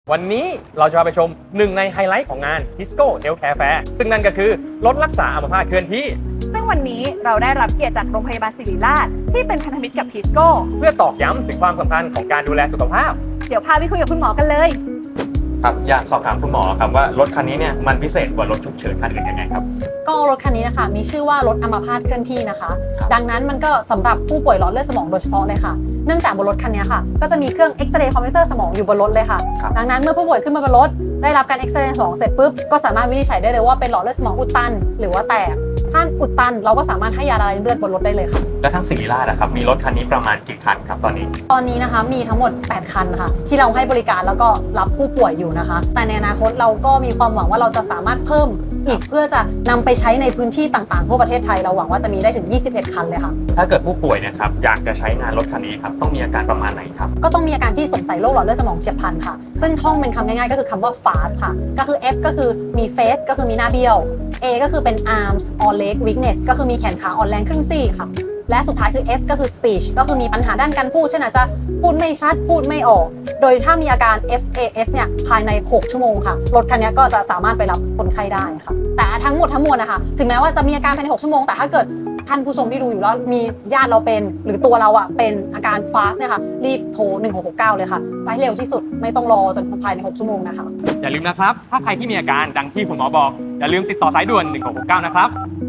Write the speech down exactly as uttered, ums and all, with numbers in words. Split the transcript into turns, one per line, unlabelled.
วันนี้เราจะพาไปชมหนึ่งในไฮไลท์ของงาน Tisco Healthcare Fair ซึ่งนั่นก็คือรถรักษาอัมพาตเคลื่อนที่
ซึ่งวันนี้เราได้รับเกียรติจากโรงพยาบาลศิริราชที่เป็นพันธมิตรกับ Tisco
เพื่อตอกย้ำถึงความสำคัญของการดูแลสุขภาพ
เดี๋ยวพาไปคุยกับคุณหมอกันเลย
ครับอยากสอบถามคุณหมอครับว่ารถคันนี้เนี่ยมันพิเศษกว่ารถฉุกเฉินคันอื่นยังไงครับ
ก็รถคันนี้นะคะมีชื่อว่ารถอัมพาตเคลื่อนที่นะคะดังนั้นมันก็สำหรับผู้ป่วยหลอดเลือดสมองโดยเฉพาะเลยค่ะเนื่องจากบนรถคันนี้ค่ะก็จะมีเครื่องเอ็กซเรย์คอมพิวเตอร์สมองอยู่บนรถเลยค่ะดังนั้นเมื่อผู้ป่วยขึ้นมาบนรถได้รับการเอ็กซเรย์สมองเสร็จปุ๊บก็สามารถวินิจฉัยได้เลยว่าเป็นหลอดเลือดสมองอุดตันหรือว่าแตกถ้าอุดตันเราก็สามารถให้ยาละลายเลือดบนรถได้เลยค่ะ
และทั้งศิริราชนะครับมีรถคันนี้ประมาณกี่คันครับตอนนี้
ตอนนี้นะคะมีทั้งหมดแปดคันค่ะที่เราให้บริการแล้วก็รับผู้ป่วยอยู่นะคะแต่ในอนาคตเราก็มีความหวังว่าเราจะสามารถเพิ่มอีกเพื่อจะนำไปใช้ในพื้นที่ต่างๆทั่วประเทศไทยเราหวังว่าจะมีได้ถึงยี่สิบเอ็ดคันเลยค่ะ
ถ้าเกิดผู้ป่วยเนี่ยครับอยากจะใช้งานรถคันนี้ครับต้องมีอาการประมาณไหนครับ
ก็ต้องมีอาการที่สงสัยโรคหลอดเลือดสมองเฉียบพลันค่ะซึ่งท่องเป็นคำง่ายๆก็คือคำว่า fast ค่ะก็คือ F ก็คือมี face ก็คือมีหน้าเบี้ยว A ก็คือเป็น arms or leg weakness ก็คือมีแขนขาอ่อนแรงครึ่งซี่ค่ะและสุดท้ายคือ S ก็คือ speech ก็คือมีปัญหาด้านการพูดเช่นอาจจะพูดไม่ชัดพูดไม่ออกโดยถ้ามีอาการ เอฟ เอ เอส เนี่ยภายในหกชั่วโมงค่ะรถคันนี้ก็จะสามารถไปรับคนไข้ได้ค่ะแต่ทั้งหมดทั้งมวลนะคะถึงแม้ว่าจะมีอาการภายในหกชั่วโมงแต่ถ้าเกิดท่านผู้ชมที่ดูอยู่แล้วมีญาติเราเป็นหรือตัวเราอ่ะเป็นอาการ fast เนี่ยค่ะรีบโทรหนึ่งหกหกเก้าเลยค่ะไปเร็วที่สุดไม่ต้องรอจนภายในหกชั่วโมงนะคะ
อย่าลืมนะครับถ้าใครที่มีอาการดังที่คุณหมอบอกอย่าลืมติดต่อสายด่วนหนึ่งหกหกเก้านะครับ